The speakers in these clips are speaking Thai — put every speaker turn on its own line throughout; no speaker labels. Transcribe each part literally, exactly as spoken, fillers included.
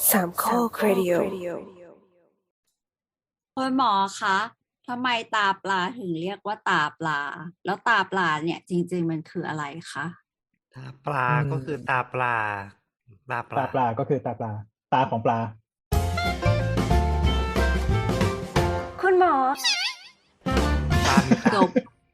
สามข้อครดิโอ
คุณหมอคะทำไมตาปลาถึงเรียกว่าตาปลา แล้วตาปลาเนี่ยจริงๆมันคืออะไรคะ
ตาปลา
อืม
ก็คือตาปลา ตาป
ตา
ลา
ปลาก็คือตาปลา ตาของปลา
คุณหมอ
ตามีตา
จบ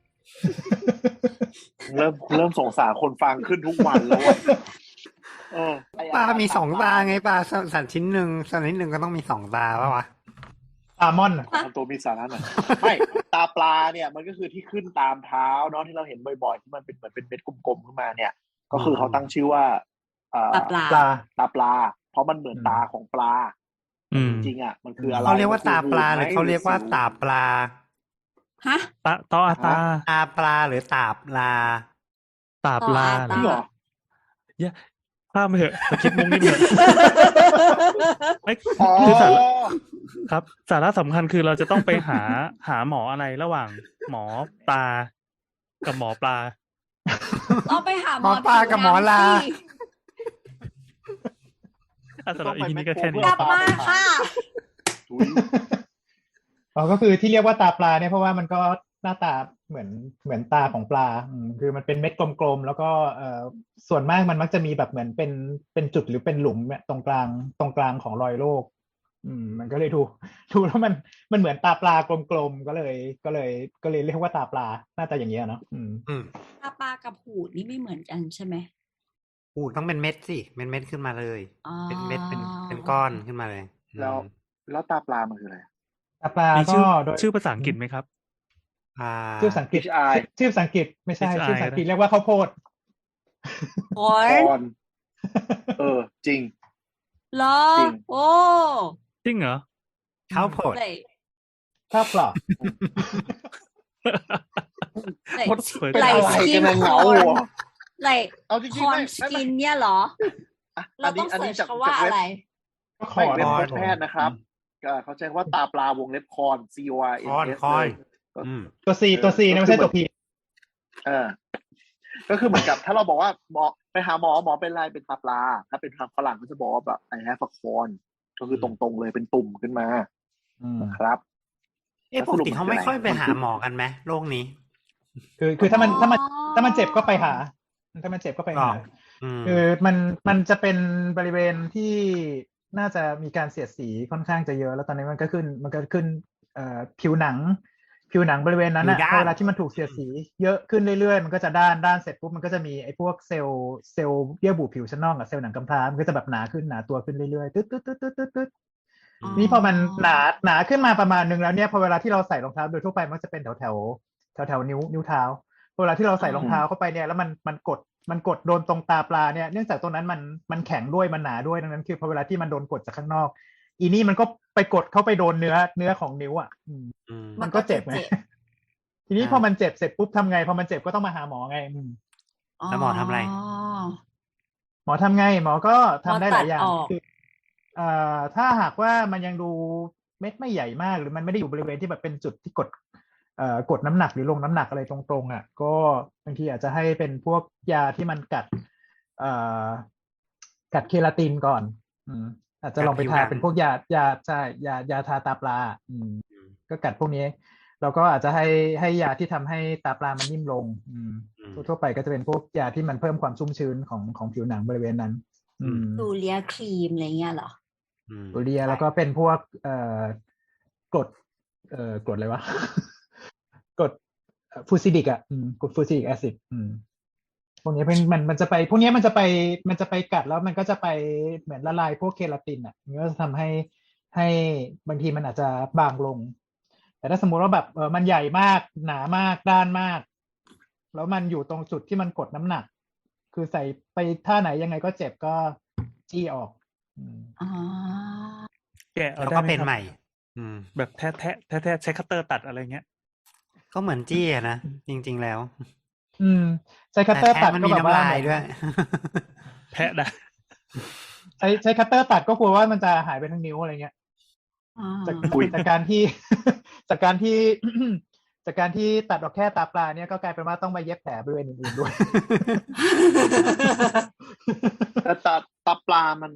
เริ่มเริ่มสงสารคนฟังขึ้นทุกวันแล้วอะเออไ
ปลามีสองตาไงปลาสัตว์ชิ้นหนึ่งสัตว์ชิ้นหนึ่งก็ต้องมีสองตาป่ะวะ
ปลามอนอะ
ทำตัวมีสาระหน่อยไม่ตาปลาเนี่ยมันก็คือที่ขึ้นตามเท้าเนาะที่เราเห็นบ่อยๆที่มันเป็นเหมือนเป็นเม็ดกลมๆขึ้นมาเนี่ย ก็คือเขาตั้งชื่อว่าเอ่อ
ตาปลา
ปลา
ตาปลา เพราะมันเหมือน
อืม
ตาของปลา
อืม
จริงๆอ่ะมันคืออะไร
เขาเรียกว่าตาปลาห
มัน
รือ
คื
เขาเรียกว่าตาปลา
ฮะ
ตาตออาตา
ตาปลาหรือตาปลา
ตาปลา
ตออาตา
จริงเหรอ
อย่าข้ามไปเถอะสคิดมุกนิดเถอะไม่
อ๋อ
คือสาระครับ สาระสำคัญคือเราจะต้องไปหาหาหมออะไรระหว่างหมอตา กับหมอปลา
ต้องไปหาหมอ
หมอปลากับหมอลา
ผิวหนังสิ
อ่ะสำหรับอีพีนี้ก็แค่
ก
นี้
ลับมาค่ะ
อุ๊ย
อ๋อก็คือที่เรียกว่าตาปลาเนี่ยเพราะว่ามันก็หน้าตาเหมือนเหมือนตาของปลาอืมคือมันเป็นเม็ดกลมๆแล้วก็เอ่อส่วนมากมันมักจะมีแบบเหมือนเป็นเป็นจุดหรือเป็นหลุมเนี่ยตรงกลางตรงกลางของรอยโรคอืมมันก็เลยดูดูแล้วมันมันเหมือนตาปลากลมๆก็เลยก็เลยก็เลยเรียกว่าตาปลาหน้าตาอย่างเงี้ยเนาะอืม
อืม
ตาปลากับหูดนี่ไม่เหมือนกันใช่ไหม
อูดต้องเป็นเม็ดสิเป็นเม็ดขึ้นมาเลย
อ๋อ
เป็นเม็ดเป็นเป็นก้อนขึ้นมาเลย
แล้ว
อืม
แล้วตาปลามันคืออะไร
ตาปลา
มี
ก็
ชื่อ
โดย
ชื่อภาษาอังกฤษไหมครับ
อ่า
ชื่อภาษาอังกฤษ
H I
ชื่อภาษาอังกฤษไม่ใช่
H I
ชื่อภาษาอังกฤษเรียกว่าข้าวโพด
โอ้ย
คอนเออ จริง
เหรอ
จริง
โอ้
จริงเหรอ
ข้าวโพด
เลย
ข้าวเปล่า
เลย
โคตรสวย
เป็น
ไหล
อะไร
สกิ
กัน
น
นะ
ค
เหงา
อน
เหรอ
ไหล
เอาจริง
ค
ๆ
อน
ไม่
ส
ไม่
กิ
ไม่
นเนี่ยเหรอ
อ่ะ
เรา
อัน
ต้
นี้
อง
อัน
เสิ
นี้
ร์ช
จาก
คำว่า
จากเว็
อะ
บ
ไร
ก็ค
ไม่
อน
เว็บ
คอน
เว็บแพทย์นะครับก็เขาใช้ว่าตาปลาวงเล็บคอน C O R N
คอน
S
คอน
เลย
อืม
ตัวซีตัวซีนะไม่ใช่ตัวพี
เออ ก็คือเหมือนกับถ้าเราบอกว่าหมอไปหาหมอหมอเป็นอะไรเป็นตาปลา ถ้าเป็นทางฝรั่งก็จะบอกว่าแบบ I have a corn ก็คือตรงๆเลยเป็นตุ่มขึ้นมา
อืม
นะครับ
เอ๊ะปกติเขาไม่ค่อยไปหาหมอกันไหมโรคนี้
คือคือถ้ามันถ้ามัน
อ๋อ
ถ้ามันเจ็บก็ไปหา ถ้ามันเจ็บก็ไปหา
หรอ อืม
คือมันมันจะเป็นบริเวณที่น่าจะมีการเสียดสีค่อนข้างจะเยอะ แล้วตอนนี้มันก็ขึ้นมันก็ขึ้นเอ่อผิวหนัง ผิวหนังบริเวณนั้น
ผิ
อะ
วด้าน
พอเวลาที่มันถูกเสียดสีเยอะขึ้นเรื่อยๆ มันก็จะด้านด้านเสร็จปุ๊บมันก็จะมีไอ้พวกเซลล์เซลล์เยื่อบุผิวชั้นนอกกับเซลล์หนังกำพร้ามันก็จะแบบหนาขึ้นหนาตัวขึ้นเรื่อยๆตึ๊ดตึ๊ดตึ๊ดตึ๊ดตึ๊ดตึ๊ด
อ๋อ
นี่พอมันหนาหนาขึ้นมาประมาณนึงแล้วเนี่ยพอเวลาที่เราใส่รองเท้าโดยทั่วไปมันจะเป็นแถวแถวแถวแถวๆนิ้วนิ้วเท้าพอเวลาที่เราใส่รองเท้าเข้าไปเนี่ยแล้วมันมันกดมันกดโดนตรงตาปลาเนี่ยเนื่องจากตรงนั้นมันมันแข็งด้วยมันหนาด้วยดังนั้นคือพอเวลาที่มันโดนกดจากข้างนอก อีนี่มันก็ไปกดเข้าไปโดนเนื้อเนื้อของนิ้วอ่ะอืม
อืม
มันก็เจ็บไง ทีนี้
อ่า
พอมันเจ็บเสร็จปุ๊บทำไงพอมันเจ็บก็ต้องมาหาหมอไงอืม
แล้วหมอทำอะไร
หมอทำไงหมอก็ทำได้หลายอย่าง
หมอตัดออก
คือเอ่อถ้าหากว่ามันยังดูเม็ดไม่ใหญ่มาก หรือมันไม่ได้อยู่บริเวณที่แบบเป็นจุดที่กดเอ่อกดน้ำหนักหรือลงน้ำหนักอะไรตรงๆอ่ะก็บางทีอาจจะให้เป็นพวกยาที่มันกัดเอ่อกัดเคลาตินก่อน อืมอาจจะลองไป
กัดผิว
ทา
หนัง
เป็นพวกยายาใช่ยายาทาตาปลาอืม ก็กัดพวกนี้แล้วก็อาจจะให้ให้ยาที่ทำให้ตาปลามันนิ่มลง อืม
อืม
ทั่วๆไปก็จะเป็นพวกยาที่มันเพิ่มความชุ่มชื้นของของผิวหนังบริเวณนั้น อืม
ดูเลียครีมอะไรเงี้ยเหรอ
อืม
ตัวเรียแล้วก็เป็นพวกเอ่อกรดเอ่อกรดอะไรวะ กรดฟูซิดิกอ่ะอืมกรดฟูซิดิกแอซิดอืมพวกนี้เป็นมันมันจะไปพวกนี้มันจะไปมันจะไปกัดแล้วมันก็จะไปเหมือนละลายพวกเคลาตินอ่ะมันก็จะทำให้ให้บางทีมันอาจจะบางลง แต่ถ้าสมมุติว่าแบบเออมันใหญ่มากหนามากด้านมาก แล้วมันอยู่ตรงจุดที่มันกดน้ำหนัก คือใส่ไปท่าไหนยังไงก็เจ็บก็จี้ออก อืม
อ๋อ
แกะเอา
แล้ว
ได้
ก็
ไหม
เป็น
ครับ
ใหม่ อืม
แบบแทะแทะแทะแทะใช้คัตเตอร์ตัดอะไรเงี้ย
ก็เหมือนจี้อะนะ จริง ๆ แล้ว
อืมใช้คัตเตอร์
แต่
ตัด
แทะมัน
ก็
มี
แบบว่า
น้ำลายด้วย
แทะได้
ใช้ใช้คัตเตอร์ตัดก็กลัวว่ามันจะหายไปทั้งนิ้วอะไรเงี้ย
อ๋อ
จากจากการที่ จากการที่ จากการที่ตัดออกแค่ตาปลาเนี่ยก็กลายเป็นว่าต้องมาเย็บแผลบริเวณอื่นๆด้วย
แต่ตาตาปลามัน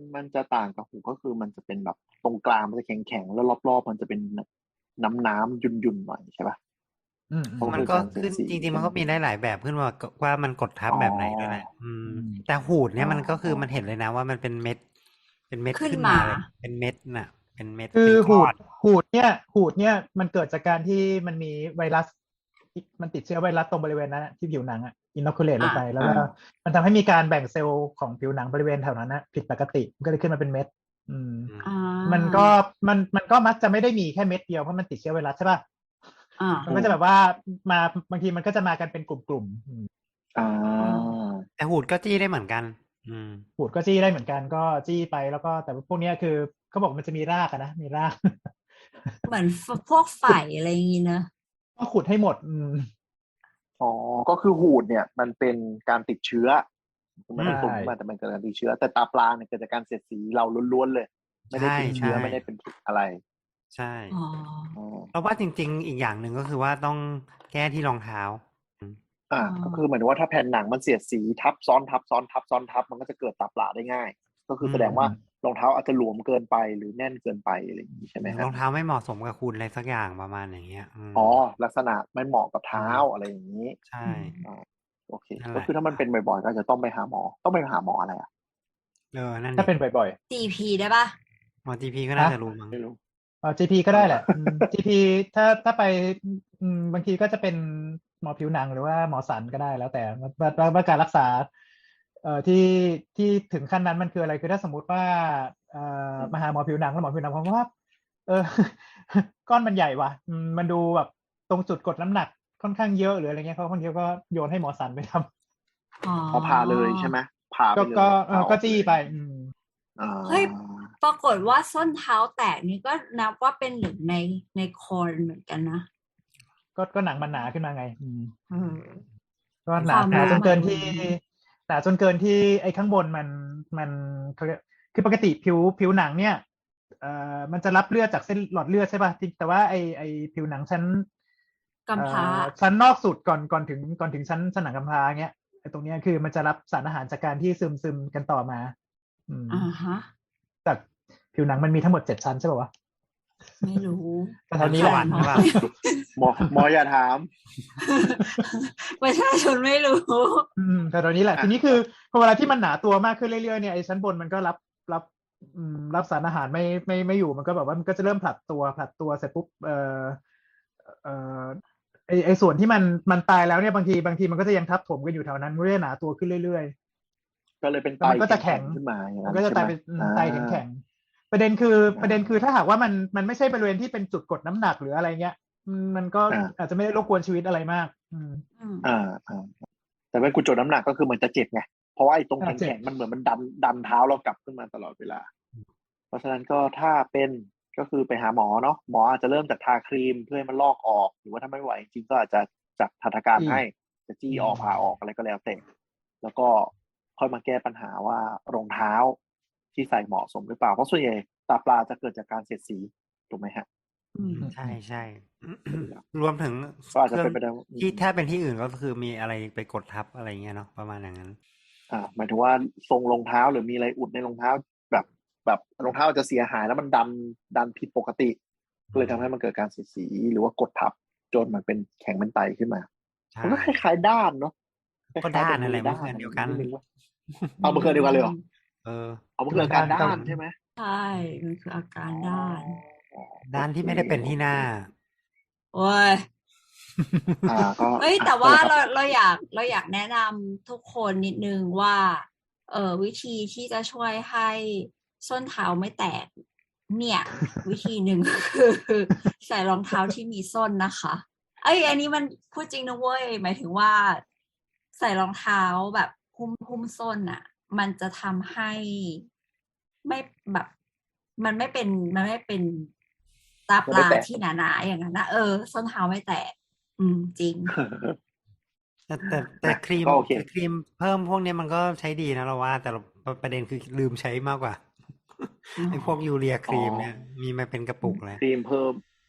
มันจะต่างกับหูก็คือมันจะเป็นแบบตรงกลางมันจะแข็งแข็งๆแล้วรอบๆมันจะเป็นน้ำน้ำยุ่นยุ่นๆหน่อยใช่ปะ
อืมอืม
มันก็ขึ้นจริงๆมันก็มีได้หลายแบบขึ้นว่าว่ามันกดทับแบบไหนด้วยแหละอืม
อืม
แต่หูดเนี่ย
อ๋อ
มันก็คือมันเห็นเลยนะว่ามันเป็นเม็ด เป็นเม็ด
ขึ้น
ขึ้น
มา
มาเลยเป็นเม็ดน่ะ เป็นเม็ด
คือ
เป็น
หู
ก้อ
ด
น
หูดเนี่ยหูดเนี่ยมันเกิดจากการที่มันมีไวรัสมันติดเชื้อไวรัสตรงบริเวณนั้นอะที่ผิวหนังอ่ะอินโนคูเลตลงไป แล้วก็
อ่า
มันทำให้มีการแบ่งเซลล์ของผิวหนังบริเวณแถวนั้นนะผิดปกติมันก็เลยขึ้นมาเป็นเม็ด อืม
อ่า
มันก็มันมันก็มักจะไม่ได้มีแค่เม็ดเดียวเพราะมันติดเชื้อไวรัสใช่ป่ะ
อ่า
มันก็จะแบบว่ามาบางทีมันก็จะมากันเป็นกลุ่มๆอืม
อ่า
แต่หูดก็จี้ได้เหมือนกัน อืม
หูดก็จี้ได้เหมือนกันก็จี้ไปแล้วก็แต่ว่าพวกเนี้ยคือเขาบอกมันจะมีรากอะนะมีราก
เหมือนพวกไฝอะไรอย่างงี้เนอะ
ก็ขุดให้หมด อืม
อ๋อ ก็คือหูดเนี่ยมันเป็นการติดเชื้อมันเป็นตุ่ม
ใช่
ขึ้นมาแต่มันเกิดการติดเชื้อ แต่ตาปลาเนี่ยเกิดจากการเสียดสีเราล้วนๆเลย ไม่ได้เป็น
ใช่
เชื้อ
ใช่
ไม่ได้เป็นอะไร
ใช่
อ๋อ
อ๋อ
เราว่าจริง ๆ อีกอย่างหนึ่งก็คือว่าต้องแก้ที่รองเท้า
อ่า
อ๋อ
ก็คือเหมือนว่าถ้าแผ่นหนังมันเสียดสีทับซ้อนทับซ้อนทับซ้อนทับมันก็จะเกิดตาปลาได้ง่าย ก็คือแสดงว่ารองเท้าอาจจะหลวมเกินไปหรือแน่นเกินไปอะไรอย่างนี้ใช่ไหม
ร
ฮะ
องเท้าไม่เหมาะสมกับคุณอะไรสักอย่างประมาณอย่างเงี้ยอืม
อ๋อ ลักษณะไม่เหมาะกับเท้าอะไรอย่างนี้
ใช่
อ่าโอเค
นั่นแหละ
ก็คือถ้ามันเป็นบ่อยๆก็จะต้องไปหาหมอ ต้องไปหาหมออะไรอ่ะ
เออ นั่น
ถ้า
ดิ
เป็นบ่อย
จี พี ได้ปะ
หมอจีพีก็น่า
ฮะ
จะรู้มั้ง
ไม่รู้
ๆเออ จี พี ก็ได้แหละอืม จี พี ถ้าถ้าไปอืมบางทีก็จะเป็นหมอผิวหนังหรือว่าหมอสันก็ได้แล้วแต่ว่าว่าว่าการรักษาเอ่อที่ที่ถึงขั้นนั้นมันคืออะไรคือถ้าสมมุติว่าเอ่อมาหาหมอผิวหนังแล้วหมอผิวหนังผมว่า เอ อ ก้อนมันใหญ่ว่ะอืมมันดูแบบตรงจุดกดน้ำหนักค่อนข้างเยอะหรืออะไรเงี้ยเขาบางทีก็โยนให้หมอสันไปทำ
อ๋อ
พอผ่าเลยใช่ไหมผ่าไป
ก็
เลย
ก็เออ
ผ่าออ
ก็จี้ไปอืม
อ่า
เฮ้ย ปรากฏว่าส้นเท้าแตกนี่ก็นับว่าเป็นหนึ่งในในคอนเหมือนกันนะ
ก็ก็หนังมันหนาขึ้นมาไง อืม
เออ
ก็หนา
ความ
หนาจนเกิน
หนา
ที่
มัน
หนาจนเกินที่ไอ้ข้างบนมันมันเขาเรียกคือปกติผิวผิวหนังเนี่ยเอ่อมันจะรับเลือดจากเส้นหลอดเลือดใช่ป่ะที่แต่ว่าไอ้ไอ้ผิวหนังชั้น
กำพร้า
เอ่อชั้นนอกสุดก่อนก่อนถึงก่อนถึงชั้นชั้นหนังกำพร้าเงี้ยไอ้ตรงเนี้ยคือมันจะรับสารอาหารจากการที่ซึมซึมกันต่อมา อืม
อ่าฮะ
จากผิวหนังมันมีทั้งหมดเจ็ดชั้นใช่ป่ะวะ
ไม่รู้
แต่เท่านี้แหละ
สวรรค์หรือเปล่า
หมอหมออย่าถาม
ประชาชนไม่รู้
อืมแต่ตอนนี้แหละ
อ่ะ
ทีนี้คือพอเวลาที่มันหนาตัวมากขึ้นเรื่อยๆเนี่ยไอ้ชั้นบนมันก็รับรับอืมรับสารอาหารไม่ไม่ไม่อยู่มันก็แบบว่ามันก็จะเริ่มผลัดตัวผลัดตัวเสร็จปุ๊บเอ่อเอ่อไอไอส่วนที่มันมันตายแล้วเนี่ยบางทีบางทีมันก็จะยังทับถมกันอยู่แถวนั้นมันก็จะหนาตัวขึ้นเรื่อย
ก็เลยเป็น
แล้ว
ไต
มันก็จะแข็ง
ขึ้นมาอย่าง
ๆ
นั้
มัน นก็จะ
ใช่
ตาย
ไหม
เป็นอืม
อ่า
ไตแข็งๆประเด็นคือ
อ่า
ประเด็นคือถ้าหากว่ามันมันไม่ใช่บริเวณที่เป็นจุดกดน้ำหนักหรืออะไรเงี้ยอืมมันก็
อ่า
อาจจะไม่ได้รบกวนชีวิตอะไรมาก อืม
อืม
อ่าอ่าแต่เป็นกุจดน้ำหนักก็คือเหมือนจะเจ็บไงเพราะว่าไอ้ตรง
อ่าเจ็บ
แข็งๆมันเหมือนมันดันดันเท้าเรากลับขึ้นมาตลอดเวลา เพราะฉะนั้นก็ถ้าเป็นก็คือไปหาหมอเนาะหมออาจจะเริ่มจากทาครีมเพื่อให้มันลอกออก หรือว่าถ้าไม่ไหวจริงๆก็อาจจะจัดหัตถการให้จะจี้ออกผ่าออกอะไรก็แล้วแต่แล้วก็ค่อยมาแก้ปัญหาว่ารองเท้าที่ใส่เหมาะสมหรือเปล่าเพราะส่วนใหญ่ตาปลาจะเกิดจากการเสียดสีถูกไหมฮะ
อืม
ใช่ใช่ รวมถึง
ก็อาจจะ
เครื่
เป็นไปได้ว่า
ที่ถ้าเป็นที่อื่นก็คือมีอะไรไปกดทับอะไรเงี้ยเนาะประมาณอย่างนั้น
อ่าหมายถึงว่าทรงรองเท้าหรือมีอะไรอุดในรองเท้าแบบแบบรองเท้าจะเสียหายแล้วมันดันดันผิดปกติก็เลยทำให้มันเกิดการเสียดสีหรือว่ากดทับจนมันเป็นแข็งเป็นไตขึ้นมา
ใช่
มันก็คล้ายๆด้านเนาะ
ก็ด้านนั่นแหละมันคืออันเดียวกัน
นิดนึงว่าเอามันคืออันเดียวกันเลยเหรอ
เออ
เอามันคืออาการด้านใช่ไหม
ใช่ มันคืออาการด้าน
ด้านที่ไม่ได้เป็นที่หน้า
โอ้ย
อ่าก็
เอ้ยแต่ว่า
อ่ะ
เราเราอยากเราอยากแนะนำทุกคนนิดนึงว่า เออวิธีที่จะช่วยให้ส้นเท้าไม่แตก เนี่ย วิธีหนึ่งคือใส่รองเท้าที่มีส้นนะคะเอ้ยอันนี้มันพูดจริงนะเว้ยหมายถึงว่า ใส่รองเท้าแบบหุ้มหุ้มส้นอ่ะ มันจะทำให้ไม่แบบ มันไม่เป็นมันไม่เป็นตาปลาที่หนาๆอย่างนั้นนะเออส้นเท้าไม่แตก อืมจริง
แต่แต่แต่ครีม
ก็โอเค
แต่ครีมเพิ่มพวกนี้มันก็ใช้ดีนะเราว่า แต่เราประเด็นคือลืมใช้มากกว่า
อ๋อ
ไอ้พวกยูเรียครีมเนี่ย มีมาเป็นกระปุกแล้ว
ครีมเพิ่ม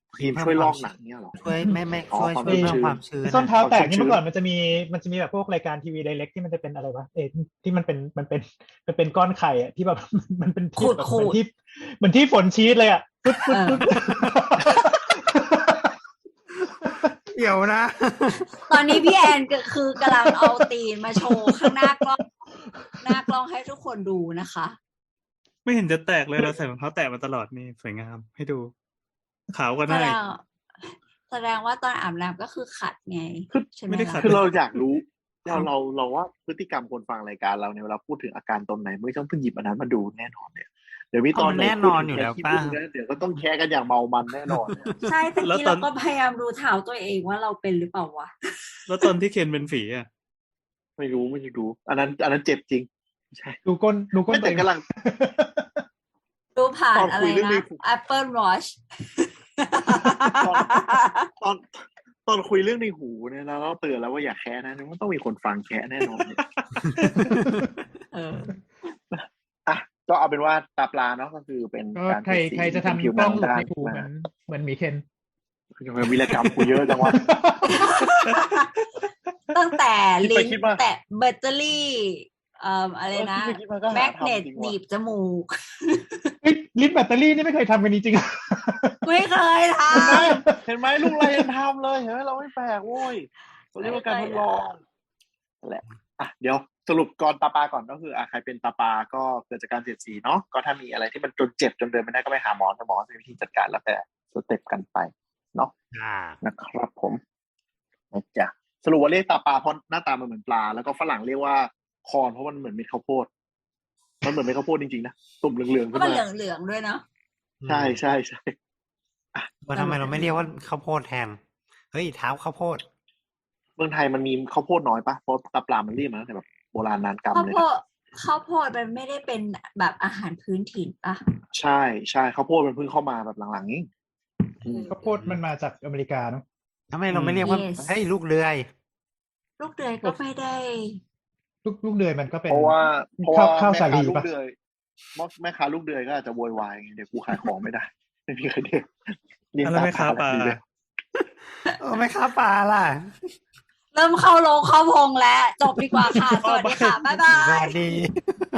ครีมช่วยลอกหนังเนี่ยเหรอ
ช่วยไม่ไม่
อ๋อ
ช่วย
ความ
ช่วย
ชื้น
เพิ่มความชื้น
ส้นเท้าแตกนี่
ความชื้น
เมื่อก่อนมันจะมีมันจะมีแบบพวกรายการทีวีไดเรกที่มันจะเป็นอะไรวะเออที่มันเป็นมันเป็นมันเป็นก้อนไข่อะที่แบบ มันเป็นที่แบบ
ขู
เหมื
ด
อน
ๆ
ที่เหมือนที่ฝนชีสเลยอะปึ๊ดปึ๊ดปึ๊ด
เดี๋ยวนะ
ตอนนี้พี่แอนก็คือกำลังเอาตีนมาโชว์ข้างหน้ากล้องหน้ากล้องให้ทุกคนดูนะคะ
ไม่เห็นจะแตกเลยเราใส่รองเท้าแตะมาตลอดนี่สวยงามให้ดู ขาวก็
แส
ได้
ดงแสดงว่าตอนอาบน้ำก็คือขัดไงใช่ไหม
ไม่ได้ขัด
ล่ะ
คือเราอยากรู้เราเราเราว่าพฤติกรรมคนฟังรายการเราเนี่ยเวลาพูดถึงอาการตนไหนไม่ต้องเพิ่งหยิบอันนั้นมาดูแน่นอนเนี่ยเดี๋ยวมีตอนไหน
เอามันแน่นอนอยู่แล้ว
พูด
ป่ะ
ถึงแค่ขี้ผึ้งนะเดี๋ยวก็ต้องแค่กันอย่างเมามันแน่นอนเนี่ย
ใช่แต่
แล้ว
กี้
ตอ
เรา
น
ก็พยายามดูเท้าตัวเองว่าเราเป็นหรือเปล่าวะ
แล้วตอนที่เคนเป็นฝีอ่ะ
ไม่รู้ไม่รู้อันนั้น อันนั้นเจ็บจริงใช่
ดูก้นดูก้น
ไม่แต่กำลัง
ดูผ่าน
ตอน
อะ
คุ
ไร
ยเรื่อง
นะ
นี้
Apple Watch
ตอนตอนตอนคุยเรื่องในหูเนี่ยนะเราเตือนแล้วว่าอย่าแค่นะมันต้องมีคนฟังแค่แน่นอนเนี่ย
เออ
อ่ะก็เอาเป็นว่าตาปลาเนาะก็คือเป็น
ก็
การ
ใคร
เปลี่ยนสี
ใครจะ
เป็น
ทำ
ผิว
ก
ห
ล้
นั
อง
ง
หลุด
ด้าน
ในหูเหมือนเหมือนหมีเคน
ทำไมวีรกรรมกูเยอะจังวะ
ตั้งแต่
คิดไป
ลิ้น
คิดมา
แต่แบตเตอรี่เอ่ออะไรนะ
เออคิดไปคิดมาก็หา
แมกเนต
ทำจริงว่ะ
หนีบจมูก
เฮ้ยลิ้นแบตเตอรี่นี่ไม่เคยทำกันจริง
ไม่เคยท
เห็นไหมเห็นไหมลูกเรายังทำเลยเห็นไหมเราไม่แปลกโว้ยเราเรียกว่าการทดลองนั่นแหละอ่ะเดี๋ยวสรุปก่อนตาปลาก่อนก็คืออ่ะใครเป็นตาปลาก็เกิดจากการเสียดสีเนาะก็ถ้ามีอะไรที่มันจนเจ็บจนเดินไม่ได้ก็ไปหาหมอแต่หมอจะมีวิธีจัดการแล้วแต่สเต็ปกันไปเนาะ
อ่า
นะครับผมนะจ๊ะสรุปว่าเรียกตาปลาเพราะหน้าตามันเหมือนปลาแล้วก็ฝรั่งเรียกว่าคอร์นเพราะมันเหมือนเม็ดข้าวโพดมันเหมือนเม็ดข้าวโพดจริงๆนะตุ่มเหลือง
ำ
ๆ
เพ
ขึ้
ราะ
น
มัน
มา
เหลืองๆด้วยเนาะ
ใช่ใช่ใช่
ว่าทำไมเราไม่เรียกว่าข้าวโพดแทน เฮ้ยเท้าข้าวโพด
เมืองไทยมันมีข้าวโพดน้อยปะเพราะตาปลามันเรียกมาตั้งแต่แบบโบราณนานกรรม
ข้าว
เลย
โพ
นะ
ดข้าวโพดมันไม่ได้เป็นแบบอาหารพื้นถิ่นปะ
ใช่ใช่ข้าวโพดมันเพิ่งเข้ามาแบบหลังๆนี้อืม
ๆข้าวโพดมันมาจากอเมริกาเนาะ
ทำไมเราไม่เรียกว่า
Yes
เฮ้ยลูกเรือย
ลูกเดือยก็ไม่ได้
ลูกลูกเดือยมันก็เป็น
เพราะว่าเพราะ
ข้า
ว่าว
ข้าว
แม่
สา
ค้า
ลี
ลูก
ปะ
เดือยแม่ค้าลูกเดือยก็อาจจะโวยวายไงเดี๋ยวกูขายของไม่ได้ไม่มีใครเดือยเรียน
อะไร
ตา
ไม่
ป
ค้า
ลา
ปลา
แบบนี้เลย
เออไม่ค้าปลาล่ะ
เริ่มเข้าโรงเข้าพงแล้ว จบดีกว่าค่ะ สวัสดีค่ะ บ๊ายบา
สวั
ย
สดี